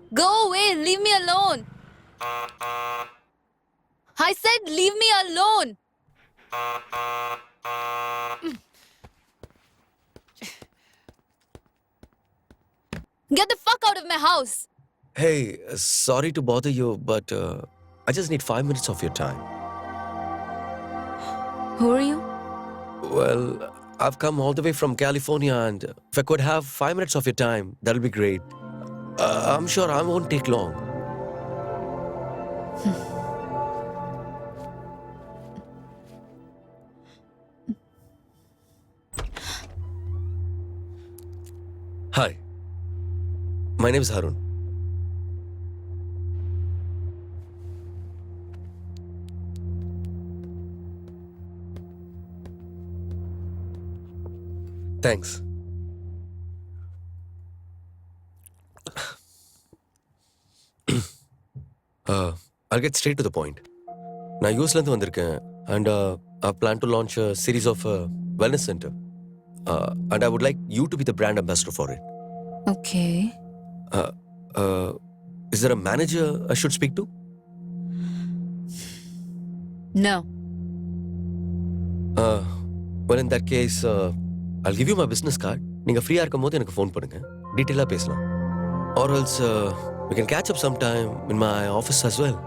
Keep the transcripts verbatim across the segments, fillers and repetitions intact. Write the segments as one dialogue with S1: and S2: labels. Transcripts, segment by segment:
S1: Go away, leave me alone. I said leave me alone. Get the fuck out of my house.
S2: Hey, uh, sorry to bother you, but uh, I just need five minutes of your time.
S1: Who are you?
S2: Well, I've come all the way from California, and if I could have five minutes of your time, that'll be great. Uh, I'm sure I won't take long. Hi, my name is Harun. Thanks. uh, I'll get straight to the point. நான் யூஎஸ்ல இருந்து வந்திருக்கேன் and uh, I plan to launch a series of uh, wellness center. Uh, and I would like you to be the brand ambassador for it.
S1: Okay.
S2: Uh, uh, is there a manager I should speak to?
S1: No.
S2: Uh, well, in that case, uh, I'll give you my business card. நீங்க ஃப்ரீயா இருக்கும்போது எனக்கு phone பண்ணுங்க. டீடைலா பேசலாம். Or else uh, we can catch up sometime in my office as well.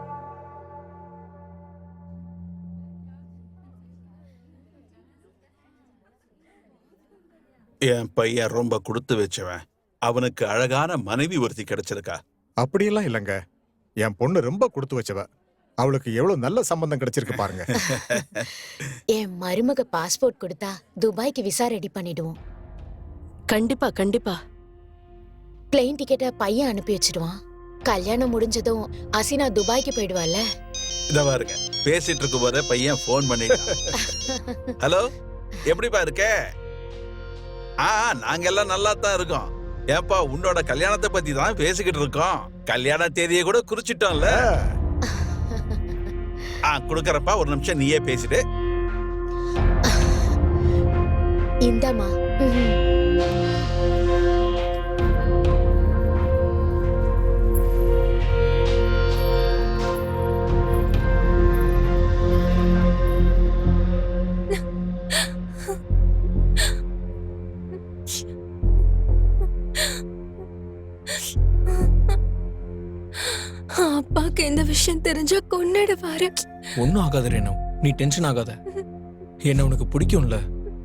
S3: என் பையன் ரொம்ப கொடுத்து வச்சவன். அவனுக்கு அழகான மனைவி ஒருத்தி கிடைச்சிருக்கா.
S4: அப்படியெல்லாம் இல்லைங்க. என் பொண்ணு ரொம்ப கொடுத்து வச்சவ. அவளுக்கு எவ்வளவு நல்ல சம்பந்தம் கிடைச்சிருக்கு பாருங்க.
S5: என் மருமக பாஸ்போர்ட் கொடுத்தா துபாய்க்கு விசா ரெடி பண்ணிடுவோம்.
S6: கண்டிப்பா கண்டிப்பா.
S5: பிளேன் டிக்கெட்டை பையன் அனுப்பி வச்சிடுவான். கல்யாணம் முடிஞ்சதும் அசினா துபாய்க்கு போயிடுவாள்ல.
S3: இத பாருங்க, பேசிட்டு இருக்கும் போதே பையன் போன் பண்ணிட்டான். ஹலோ, எப்படிப்பா இருக்க? ஆ, நாங்க எல்லாம் நல்லா தான் இருக்கோம். ஏப்பா, உன்னோட கல்யாணத்தை பத்தி தான் பேசிக்கிட்டு இருக்கோம். கல்யாண தேதியை கூட குறிச்சிட்டோம்ல. ஆ, குடுக்கறப்பா, ஒரு நிமிஷம் நீயே பேசிட்டு.
S5: இந்தாமா.
S6: அப்பாக்கு இந்த விஷயம் தெரிஞ்சா கொன்னிடுவாரு.
S7: ஒன்னும் ஆகாத ரேணு, நீ டென்ஷன் ஆகாத. என்ன உனக்கு பிடிக்கும்ல?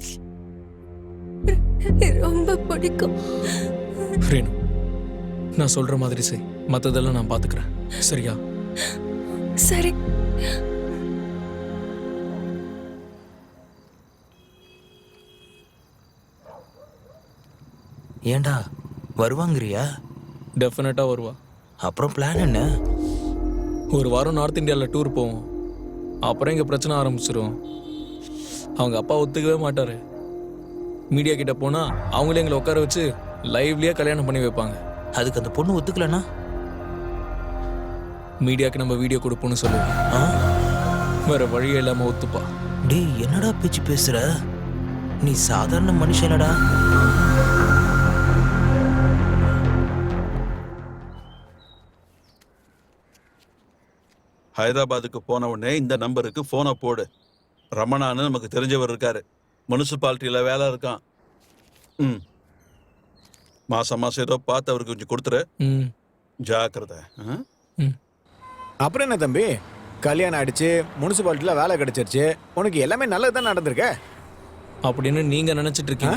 S6: ரொம்ப பிடிக்கும்.
S7: ரேணு, நான் சொல்ற மாதிரி செய். மத்ததெல்லாம் நான் பாத்துக்கிறேன். சரியா?
S6: சரி.
S8: ஏண்டா வருவாங்கறியா?
S7: டெஃபினட்டா வருவா.
S8: அப்புறம் பிளான் என்ன?
S7: ஒரு வாரம் நார்த் இந்தியாவில் டூர் போவோம். அப்புறம் இங்கே பிரச்சனை ஆரம்பிச்சிடும். அவங்க அப்பா ஒத்துக்கவே மாட்டாரு. மீடியா கிட்ட போனால் அவங்களே எங்களை உட்கார வச்சு லைவ்லேயே கல்யாணம் பண்ணி வைப்பாங்க.
S8: அதுக்கு அந்த பொண்ணு ஒத்துக்கலன்னா
S7: மீடியாவுக்கு நம்ம வீடியோ கொடுப்போம்னு சொல்லுவோம். வேற வழியே இல்லாமல் ஒத்துப்பா.
S8: டேய், என்னடா பேச்சு பேசுற? நீ சாதாரண மனுஷனடா.
S3: ஹைதராபாத்துக்கு போன உடனே இந்த நம்பருக்கு போனை போடு. ரமணான்னு நமக்கு தெரிஞ்சவர் இருக்காரு. முனிசிபாலிட்டியில வேலை இருக்கான். ம், மாசம் மாசம் ஏதோ பார்த்து அவருக்கு கொஞ்சம் கொடுத்துரு.
S7: ம்,
S3: ஜாக்கிரதை.
S7: ம்.
S4: அப்புறம் என்ன தம்பி, கல்யாணம் ஆயிடுச்சு, முனிசிபாலிட்டியில வேலை கிடைச்சிருச்சு, உனக்கு எல்லாமே நல்லது தான் நடந்திருக்க
S7: அப்படின்னு நீங்க நினைச்சிட்டு இருக்கீங்க.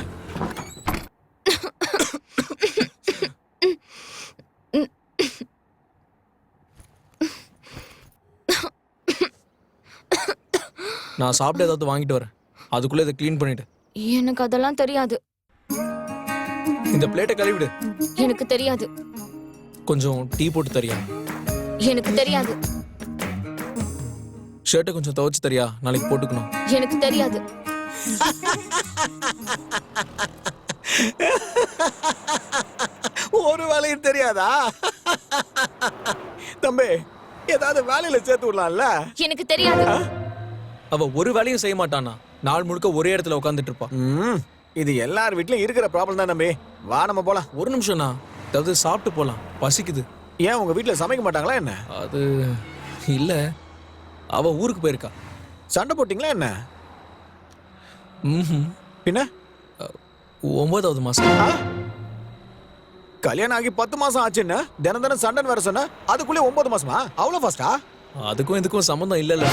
S7: நான் சாப்பிட்டு ஏதாவது வாங்கிட்டு வரேன். அதுக்குள்ள இதை க்ளீன் பண்ணிட்டு.
S1: எனக்கு அதெல்லாம் தெரியாது.
S7: இந்த பிளேட்டை கழுவிடு.
S1: எனக்கு தெரியாது.
S7: கொஞ்சம் டீ போட்டு தரியா?
S1: எனக்கு தெரியாது.
S7: ஷர்ட்டை கொஞ்சம் துவைச்சு தரியா? நாளைக்கு போட்டுக்கணும்.
S1: எனக்கு தெரியாது.
S4: ஒரு வேலையும் தெரியாதா? தம்பி, ஏதாவது வேலையில சேர்த்து விடலாம்ல?
S1: எனக்கு தெரியாது.
S7: அவ ஒரு வேலையும் செய்ய மாட்டானா? நாள் முழுக்க ஒரே இடத்துல உட்காந்துட்டு இருப்பா.
S4: இது எல்லார் வீட்லயும் இருக்கிற ப்ராப்ளம் தான் தம்பி. வா நம்ம போலாம்.
S7: ஒரு நிமிஷம்னா, ஏதாவது சாப்பிட்டு போலாம், பசிக்குது.
S4: ஏன் உங்க வீட்ல சமைக்க மாட்டாங்களா என்ன?
S7: அது இல்ல, அவ ஊருக்கு போயிருக்கா.
S4: சண்டை போட்டீங்களா என்ன?
S7: ம்ஹும்.
S4: பின்ன
S7: ஒன்பதாவது மாசம்.
S4: ஆ? கல்யாணம் ஆகி பத்து மாசம் ஆச்சுன்னு தினம் தினம் சண்டன் வேற சொன்ன, அதுக்குள்ளே ஒன்பது மாசமா? அவ்வளவு ஃபாஸ்டா?
S7: அதுக்கும் இதுக்கும் சம்மந்தம் இல்லைல்ல.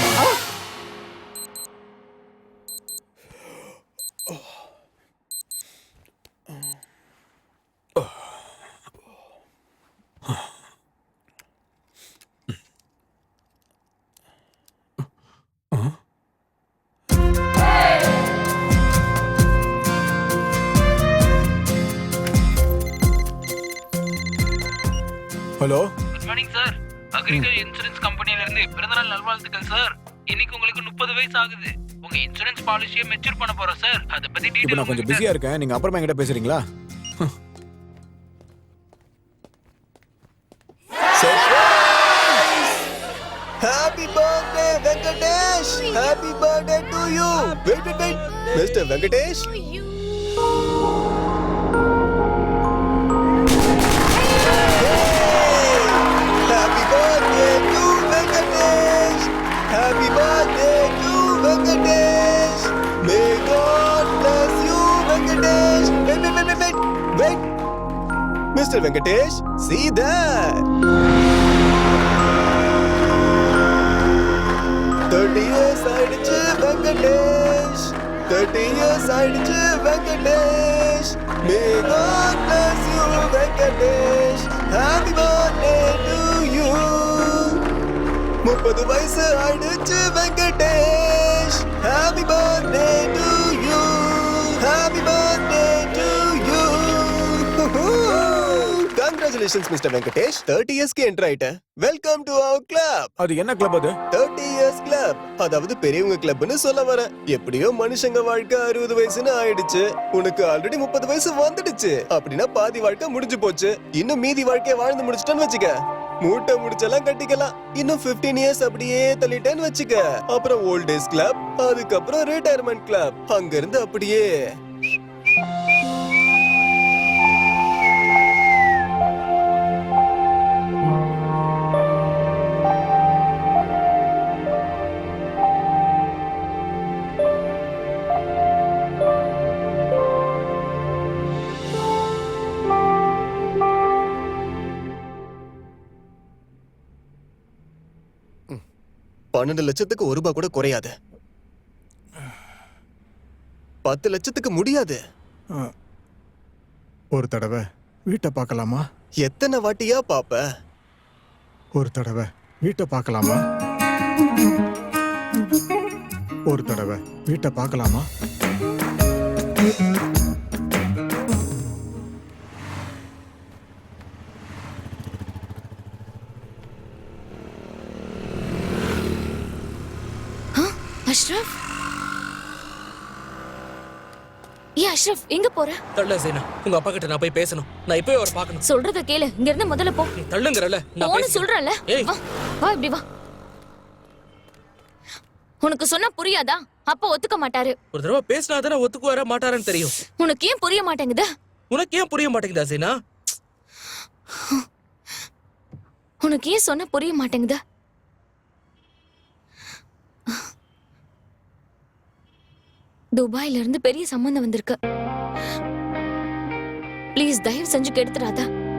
S4: Hello,
S9: good morning sir. Agriculture insurance கம்பெனில இருந்து பிறந்தநாள் நல்வாழ்த்துக்கள் சார். இன்னைக்கு உங்களுக்கு முப்பது வயசு ஆகுது. உங்க இன்சூரன்ஸ் பாலிசியை மெச்சூர் பண்ண போறோம் சார். அத பத்தி
S4: இப்போ
S9: டீடைல்
S4: நான் கொஞ்சம் பிஸியா இருக்கேன், நீங்க அப்புறமா என்கிட்ட பேசுறீங்களா?
S10: Happy birthday, Venkatesh! Happy birthday to you! Wait, wait, wait! Mister Venkatesh? Happy birthday to Venkatesh! Happy birthday to Venkatesh! May God bless you, Venkatesh! Wait, wait, wait, wait, wait! Wait! Mister Venkatesh, see that! thirty years ஆயிடுச்சு Venkatesh, thirty years ஆயிடுச்சு Venkatesh. May God bless you Venkatesh. Happy birthday to you. முப்பது வயசு ஆயிடுச்சு Venkatesh. Happy birthday to you. Happy birthday to you. Congratulations Mister Venkatesh. thirty years க்கு enter ஆயிட்ட. Welcome to our club.
S4: அது என்ன club அது?
S10: thirty years club. அதாவது பெரியவங்க கிளப்னு சொல்ல வரேன். எப்படியோ மனுஷங்க வாழ்க்கை அறுபது வயசுன்னு ஆயிடுச்சு. உனக்கு ஆல்ரெடி முப்பது வயசு வந்துடுச்சு. அப்படின்னா பாதி வாழ்க்கை முடிஞ்சு போச்சு. இன்னும் மீதி வாழ்க்கைய வாழ்ந்து முடிச்சிட்டேன்னு வச்சுக்க. மூட்டை முடிச்செல்லாம் கட்டிக்கலாம். இன்னும் fifteen இயர்ஸ் அப்படியே தள்ளிட்டேன்னு வச்சுக்க. அப்புறம் ஓல்ட் ஏஜ் கிளப், அதுக்கப்புறம் ரிட்டையர்மெண்ட் கிளப். அங்க இருந்து அப்படியே பன்னெண்டு லட்சத்துக்கு ஒரு ரூபாய் கூட குறையாது. பத்து லட்சத்துக்கு முடியாது.
S11: ஒரு தடவை வீட்டை பார்க்கலாமா?
S10: எத்தனை வாட்டியா பாப்ப?
S11: ஒரு தடவை வீட்டை பார்க்கலாமா? ஒரு தடவை வீட்டை பார்க்கலாமா?
S1: அஷ்ரஃப், ஏ அஷ்ரஃப், எங்க போற?
S7: தள்ள சேனா, உங்க அப்பா கிட்ட நான் போய் பேசணும். நான் இப்பவே அவரை பார்க்கணும்.
S1: சொல்றத கேளு, இங்க இருந்து முதல்ல போ.
S7: நீ தள்ளுங்கறல, நான்
S1: போன்னு
S7: பேசுறேன்.
S1: சொல்றேன்ல.
S7: ஏய்.
S1: வா வா, இப்படி வா. உனக்கு சொன்னா புரியாதா? அப்பா ஒத்துக்க மாட்டாரு.
S7: ஒரு தடவை பேசினா தானே ஒத்துக்குவாரா மாட்டாரான்னு தெரியும்.
S1: உனக்கு ஏன் புரிய மாட்டேங்குது?
S7: உனக்கு ஏன் புரிய மாட்டேங்குதா சேனா?
S1: உனக்கு ஏன் சொன்னா புரிய மாட்டேங்குதா? துபாயில இருந்து பெரிய சம்பந்தம் வந்திருக்கு. ப்ளீஸ் தயவு செஞ்சு கெடுத்துறாத.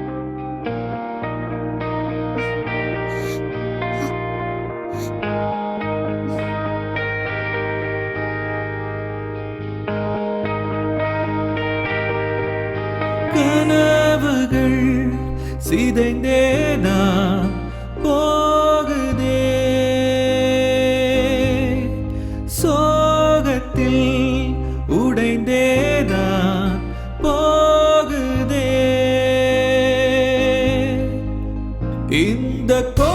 S9: கனவுகள் சிதைந்தேனா போகுதே, சோகத்தில் உடைந்தேனா போகுதே, இந்த கோ